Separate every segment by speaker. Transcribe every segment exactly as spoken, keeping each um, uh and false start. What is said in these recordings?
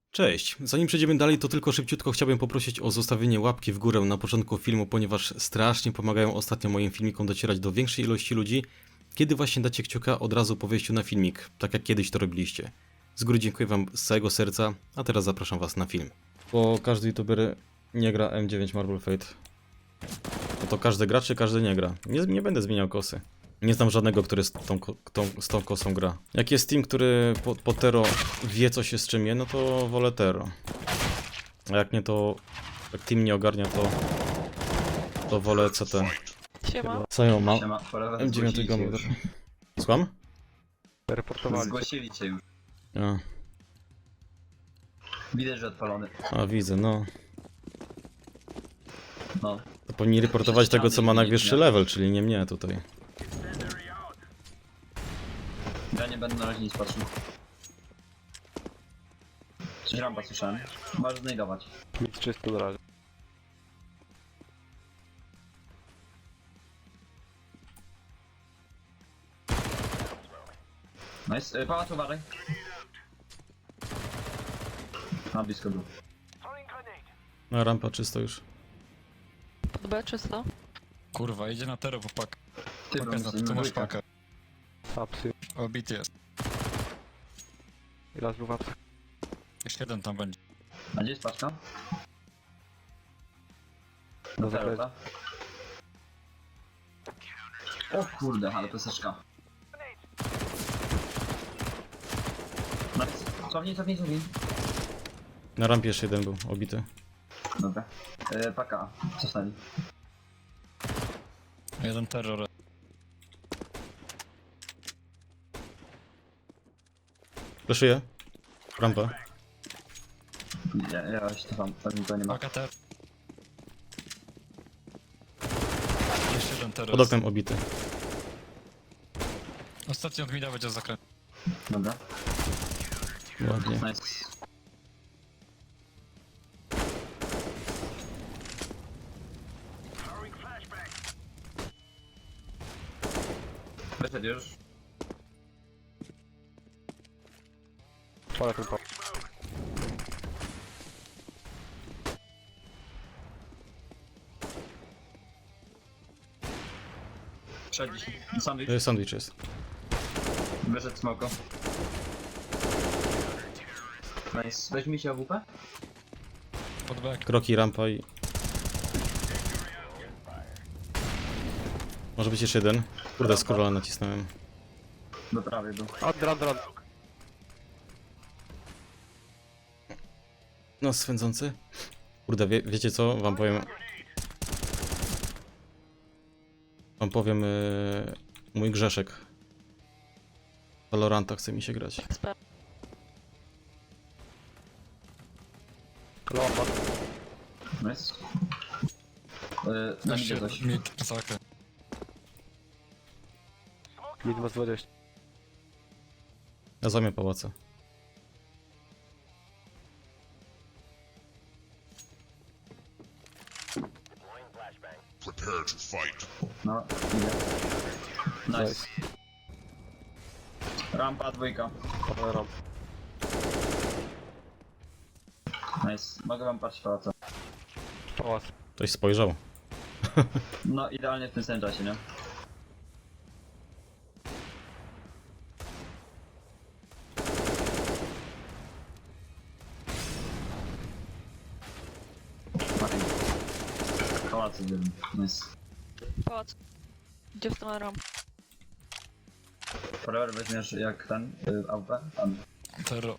Speaker 1: Cześć, zanim przejdziemy dalej, to tylko szybciutko chciałbym poprosić o zostawienie łapki w górę na początku filmu, ponieważ strasznie pomagają ostatnio moim filmikom docierać do większej ilości ludzi, kiedy właśnie dacie kciuka od razu po wejściu na filmik, tak jak kiedyś to robiliście. Z góry dziękuję wam z całego serca, a teraz zapraszam was na film. Bo każdy youtuber nie gra M dziewięć Marble Fate. No to każdy gra, czy każdy nie gra? Nie, nie będę zmieniał kosy. Nie znam żadnego, który z tą, ko- tą, z tą kosą gra. Jak jest team, który po, po Tero wie, co się z czym je, no to wolę Tero. A jak nie, to... Jak team nie ogarnia, to... To wolę C T.
Speaker 2: Siema.
Speaker 1: Co ją mam?
Speaker 3: Siema, forever
Speaker 1: M dziewięć
Speaker 3: zgłosili cię
Speaker 1: Gamma.
Speaker 3: już.
Speaker 1: Słucham?
Speaker 4: Reportowali.
Speaker 3: Zgłosili cię już.
Speaker 1: A,
Speaker 3: Widać, że odpalony.
Speaker 1: a widzę, no.
Speaker 3: No.
Speaker 1: To powinni reportować tego, co ma najwyższy level, czyli nie mnie tutaj.
Speaker 3: Ja nie będę na razie nic patrzył. Coś rampa słyszałem. Możesz znajdować.
Speaker 4: Nic czysto na razie.
Speaker 3: Nice. Yy, pałac, uważaj. Na blisko był.
Speaker 1: No, rampa czysto już.
Speaker 2: Pod B czysto.
Speaker 5: Kurwa, idzie na tero po pakę.
Speaker 3: Ty,
Speaker 5: Paka
Speaker 3: bro,
Speaker 5: za to, tu masz pakę.
Speaker 4: Apsy.
Speaker 5: Obity jest.
Speaker 4: I raz był w apsach.
Speaker 5: Jeszcze jeden tam będzie.
Speaker 3: A gdzie jest paczka?
Speaker 4: Na
Speaker 3: Do
Speaker 4: zakresie.
Speaker 3: zero, O kurde, ale peseczka. Nice. Cofnij, cofnij, cofnij.
Speaker 1: Na rampie jeszcze jeden był, obity.
Speaker 3: Dobra. Yy, paka. Cofnęli.
Speaker 5: Jeden terror.
Speaker 1: Fleszuję. Rampa.
Speaker 3: Ja, ja się tam, tam to nie ma.
Speaker 5: Paka terror. Jeszcze jeden terror.
Speaker 1: Pod oknem obity.
Speaker 5: Ostatni od mida będzie zakręt.
Speaker 3: Dobra.
Speaker 1: Ładnie.
Speaker 3: Nice. Wyszedł już.
Speaker 4: Pole tylko.
Speaker 3: Wszedł sandwich.
Speaker 1: Y, Sandwich jest.
Speaker 3: Wyszedł smoko. Nice. Weź mi się A W P?
Speaker 5: Pod back.
Speaker 1: Kroki, rampa i... Może być jeszcze jeden. Kurde, scrolla nacisnąłem.
Speaker 3: Do prawej był.
Speaker 4: Od run, run.
Speaker 1: No, swędzący. Kurde, wie, wiecie co? Wam powiem... Wam powiem... Yy, mój grzeszek. Valoranta chce mi się grać.
Speaker 2: Eksper.
Speaker 4: Lomba.
Speaker 3: Nice. Yy, na mnie
Speaker 5: Jeszcze
Speaker 3: coś.
Speaker 5: mid, zakręt.
Speaker 4: Mid ma z dwadzieścia.
Speaker 1: Ja zamię pałaca.
Speaker 6: Prepare to fight.
Speaker 3: No, idę. Nice. Rampa dwójka.
Speaker 4: Pole ramp.
Speaker 3: Nice. Mogę wam patrzeć pałaca.
Speaker 4: Pałac.
Speaker 1: Ktoś spojrzał.
Speaker 3: No, idealnie w tym samym czasie, nie? Pałacy wiem. Nice.
Speaker 2: Pałac. Gdzie w stronę ramp?
Speaker 3: Forever weźmiesz jak ten, y, A W P? Tam.
Speaker 5: Terror.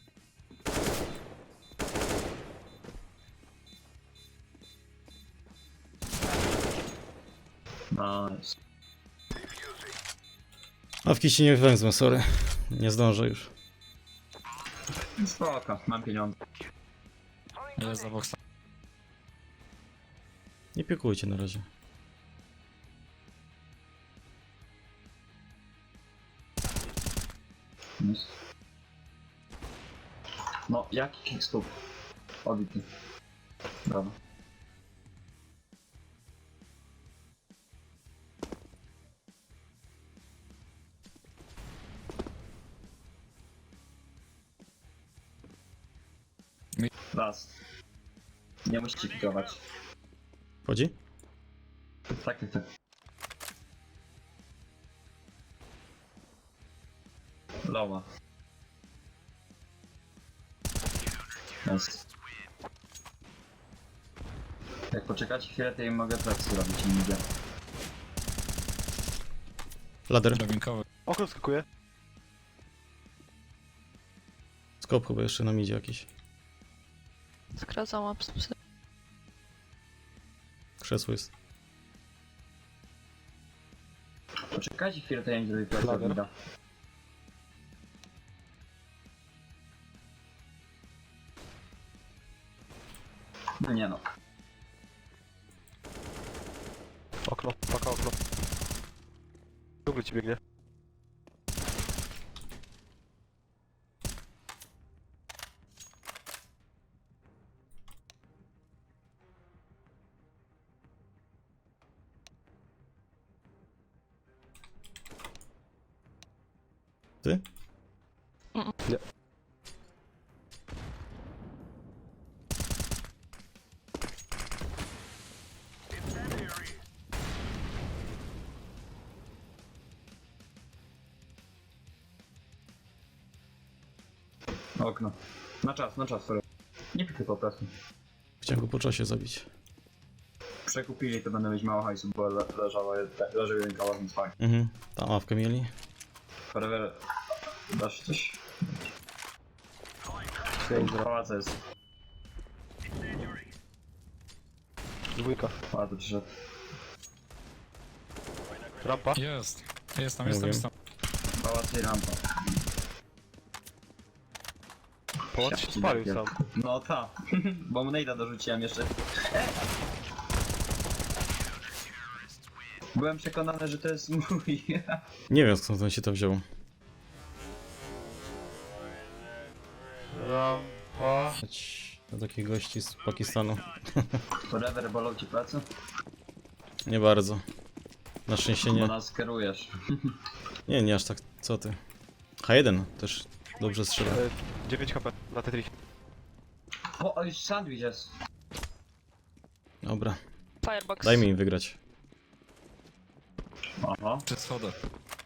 Speaker 3: Nice.
Speaker 1: A w kiści nie węzłem, sorry. Nie zdążę już.
Speaker 3: Spoko, mam pieniądze.
Speaker 5: Jest za boksa.
Speaker 1: Nie piekujcie na razie.
Speaker 3: Nice. No, jaki kickstop? Obity. Brawo. Raz. Nie musicie pikować.
Speaker 1: Chodzi?
Speaker 3: Tak, tak, tak. Lowa. Jest. Jak poczekacie chwilę, to ja mogę plecy zrobić i idzie.
Speaker 1: Lader.
Speaker 5: Drabinkowy.
Speaker 4: Okno skakuje.
Speaker 1: Skop chyba jeszcze nam idzie jakiś.
Speaker 2: Skracam apsy.
Speaker 1: Krzesło jest.
Speaker 3: Poczekajcie chwilę, to ja nie zrobię plecy.
Speaker 4: Lager.
Speaker 3: Mida. No nie no.
Speaker 4: Okno, paka okno. Długo ci biegnie.
Speaker 1: Ty?
Speaker 4: Nie.
Speaker 3: Okno. Na czas, na czas, sorry. Nie pikuj po prostu.
Speaker 1: Chciałem go po czasie zabić.
Speaker 3: Przekupili, to będę mieć mało hajsu, bo le leżała, leży jeden kałach, więc fajnie.
Speaker 1: Mhm. Tam ławkę mieli.
Speaker 3: Forever, dasz coś?
Speaker 4: Pięć,
Speaker 3: Pałaca jest.
Speaker 4: dwójka.
Speaker 3: Pałac przyszedł.
Speaker 4: Rampa.
Speaker 5: Jest. Jest tam, jest
Speaker 1: Mówię.
Speaker 5: tam, jest tam.
Speaker 3: Pałac i rampa.
Speaker 4: Połącz się spalił sam.
Speaker 3: No ta, bo mu nejda dorzuciłem jeszcze. E! Byłem przekonany, że to jest mój.
Speaker 1: Nie wiem skąd on się to wziął.
Speaker 4: Rampa.
Speaker 1: Do takich gości z Pakistanu.
Speaker 3: Forever bolą ci plecy?
Speaker 1: Nie bardzo. Na szczęście
Speaker 3: Bo
Speaker 1: nie.
Speaker 3: nas kierujesz.
Speaker 1: Nie, nie aż tak. Co ty? H jeden też dobrze strzela.
Speaker 4: E, dziewięć H P na Tetris.
Speaker 3: O, o, już sandwich jest.
Speaker 1: Dobra.
Speaker 2: Firebox.
Speaker 1: Daj mi im wygrać.
Speaker 3: Aha.
Speaker 5: Przy schodach.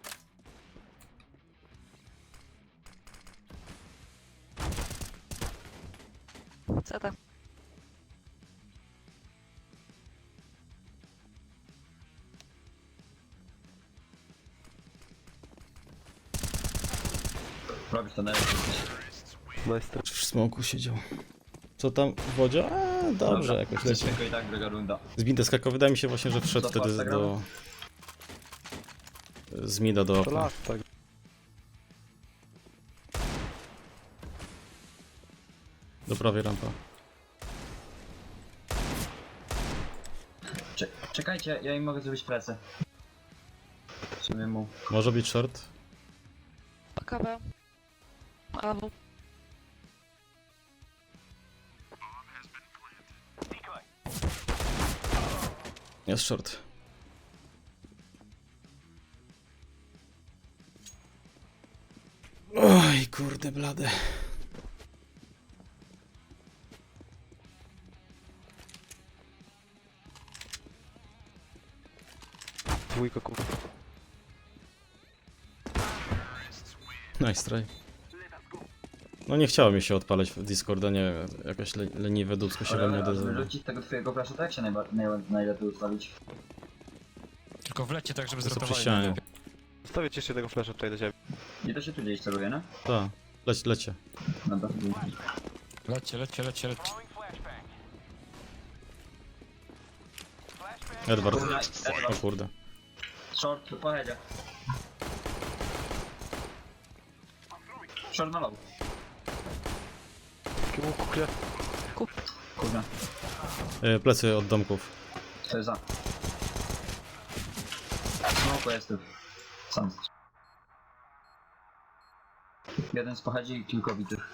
Speaker 2: Ceta.
Speaker 3: Robisz to najlepiej.
Speaker 4: Nice.
Speaker 1: W smoku siedział. Co tam w wodzie? A, dobrze, jakoś leci.
Speaker 3: Tylko i tak druga runda.
Speaker 1: Z Binta skakał. Wydaje mi się właśnie, że wszedł
Speaker 3: Co,
Speaker 1: wtedy
Speaker 3: Farta
Speaker 1: do... Z mida do
Speaker 4: To
Speaker 1: okna.
Speaker 4: las, tak.
Speaker 1: Do prawej rampa.
Speaker 3: Cze czekajcie, ja im mogę zrobić plecy. W sumie mu.
Speaker 1: Może być short?
Speaker 2: A K B. A W.
Speaker 1: Jest short. Oj, kurde blade.
Speaker 4: Dwójka kurwa.
Speaker 1: Nice try. No nie chciało mi się odpalać w Discorda, nie wiem, jakaś le leniwe dupsko się we mnie
Speaker 3: Ale żeby
Speaker 1: odezwało.
Speaker 3: wrócić tego twojego flasha, to jak się najba- najle- najlepiej ustawić?
Speaker 5: Tylko wlecie tak, żeby
Speaker 1: To co przy
Speaker 5: zrotowali
Speaker 1: ścianie.
Speaker 5: najlepiej.
Speaker 4: Zostawię ci jeszcze jednego flasha tutaj do ciebie.
Speaker 3: I to się tu gdzieś celuje, nie?
Speaker 1: Tak, leć, lecie.
Speaker 3: No to
Speaker 5: Lecie, lecie, lecie, lecie.
Speaker 1: Edward.
Speaker 3: Kurna,
Speaker 1: O
Speaker 3: Edward.
Speaker 1: kurde.
Speaker 3: Short, pojedzie. Short na low.
Speaker 4: Takiemu kuchnie.
Speaker 2: Kup.
Speaker 3: Kurna,
Speaker 1: E, plecy od domków.
Speaker 3: to jest za. Smoku jest tu. Sam. Jeden z pochodzi i kilkowitych.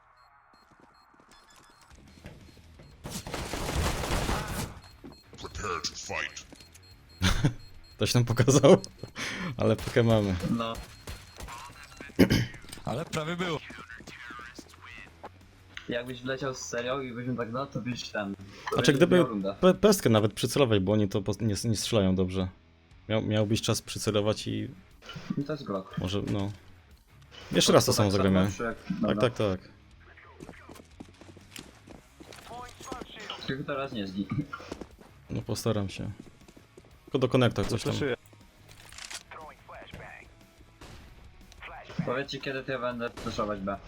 Speaker 6: Prepare to fight.
Speaker 1: Ktoś nam pokazał, ale pokę mamy.
Speaker 3: No.
Speaker 5: Ale prawie było.
Speaker 3: Jakbyś wleciał z serią i byśmy tak no, to byś ten... To
Speaker 1: Znaczy
Speaker 3: byś
Speaker 1: gdyby
Speaker 3: miał rundę.
Speaker 1: pe pestkę nawet przycelować, bo oni to po- nie, nie strzelają dobrze. Miał, miałbyś czas przycelować i
Speaker 3: I to jest Glock.
Speaker 1: może, no... Jeszcze raz to samo
Speaker 3: tak
Speaker 1: zagramy.
Speaker 3: czy jak-
Speaker 1: Tak,
Speaker 3: dobra.
Speaker 1: tak, tak.
Speaker 3: Tylko teraz nie zgi.
Speaker 1: No postaram się. Tylko do konektor coś tam.
Speaker 4: Flashuję.
Speaker 3: Powiedzcie kiedy to ja będę flashować B.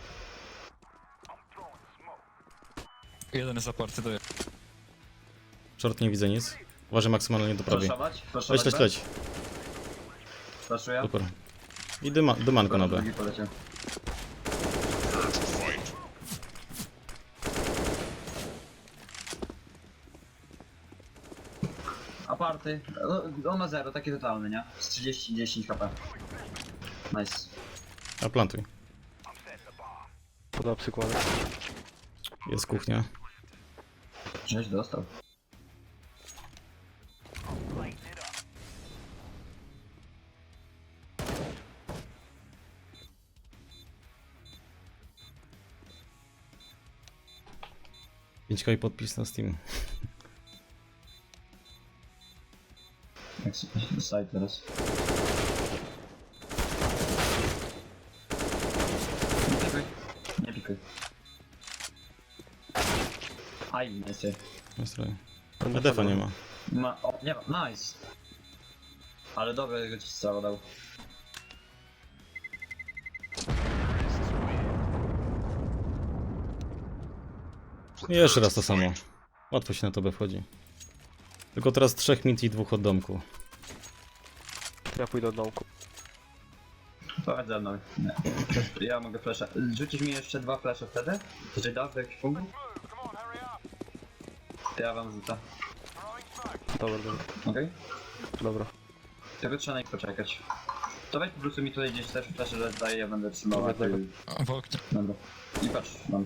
Speaker 5: Jeden jest zaparty, daję.
Speaker 1: Short nie widzę nic. Uważaj maksymalnie do prawej.
Speaker 3: Flashować? Flashować
Speaker 1: Leć, leć,
Speaker 3: B?
Speaker 1: leć.
Speaker 3: Flashuję?
Speaker 1: Super. I dyma, dymanko na B.
Speaker 3: Drugi poleciał. Aparty. No, on ma zero, taki totalny, nie? Z trzydzieści dziesięć H P. Nice.
Speaker 1: A plantuj.
Speaker 4: Podał przykłady.
Speaker 1: Jest kuchnia.
Speaker 3: Żeś dostał.
Speaker 1: pięć K i podpis na Steam.
Speaker 3: Jak sobie side teraz. Nie pikuj. Nie pikuj. Aj, nie chcę.
Speaker 1: Nastroję. A defa nie ma.
Speaker 3: Ma, o, nie ma, nice. Ale dobrze, że ci strzał dał.
Speaker 1: I jeszcze raz to samo. Łatwo się na to B wchodzi. Tylko teraz trzech mid i dwóch od domku.
Speaker 4: Ja pójdę od domku.
Speaker 3: Chodź ze mną. Nie. Ja mogę flasha. Rzucisz mi jeszcze dwa flasze wtedy? Czy dasz do jakiś punkt? To ja wam rzucę.
Speaker 4: Dobra, dobra.
Speaker 3: Okej?
Speaker 4: Dobra.
Speaker 3: Tylko trzeba na nich poczekać. To weź po prostu mi tutaj gdzieś też flasze, że daję, ja będę trzymał. a ty-
Speaker 5: A, w oknie.
Speaker 3: Dobra. I patrz, mam.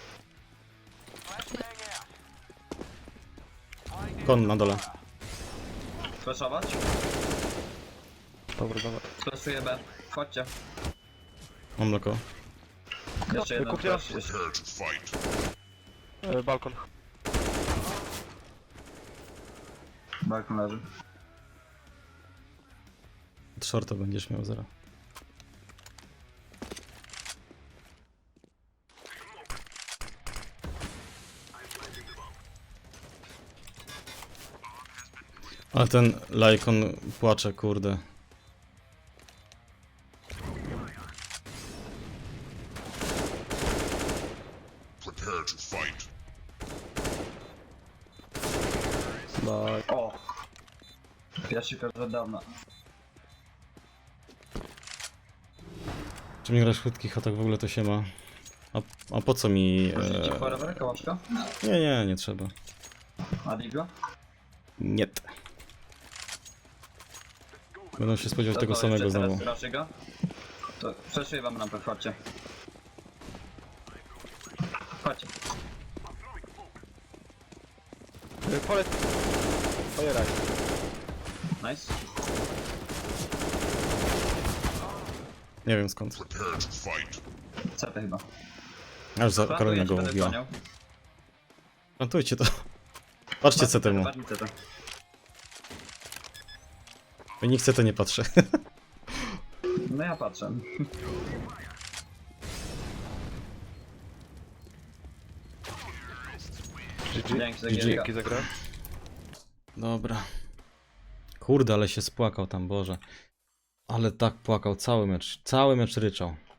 Speaker 1: Kon na dole.
Speaker 3: Flashować?
Speaker 4: Dobra, dobra.
Speaker 3: Flashuję B. Chodźcie.
Speaker 1: Mam mleko.
Speaker 3: Jeszcze jeden
Speaker 4: kupię.
Speaker 3: flash. Jeszcze.
Speaker 4: E, balkon.
Speaker 3: Balkon leży.
Speaker 1: Od shorta będziesz miał zero. Ale ten Lajkon płacze, kurde.
Speaker 6: Prepare to fight.
Speaker 4: No,
Speaker 3: O! Pierwszy pierwszy od dawna.
Speaker 1: Czy mi grasz w krótkich atak w ogóle to się ma? A, a po co mi...
Speaker 3: Rzucicie
Speaker 1: E...
Speaker 3: forever, kołaczka?
Speaker 1: Nie, nie, nie trzeba.
Speaker 3: A Digla?
Speaker 1: Nie. Będą się spodziewać
Speaker 3: To
Speaker 1: tego
Speaker 3: to
Speaker 1: samego
Speaker 3: jeszcze
Speaker 1: znowu.
Speaker 3: teraz raczej go. To przeszuję wam rampę, chodźcie. Chodźcie.
Speaker 4: e, polec. Ojeraj.
Speaker 3: Nice.
Speaker 1: Nie wiem skąd.
Speaker 6: Prepare to fight.
Speaker 3: C T chyba.
Speaker 1: Aż za Karolina go
Speaker 3: Plantuję, ci będę
Speaker 1: mówiła.
Speaker 3: goniał.
Speaker 1: Plantujcie to. Patrzcie co temu.
Speaker 3: Patrz mi C T.
Speaker 1: Nikt chce to nie patrzy.
Speaker 3: No ja patrzę.
Speaker 4: G G.
Speaker 3: Dzięki za
Speaker 1: G G.
Speaker 3: gierka.
Speaker 4: Dzięki za grę.
Speaker 1: Dobra. Kurde, ale się spłakał tam, Boże. Ale tak płakał, cały mecz, cały mecz ryczał.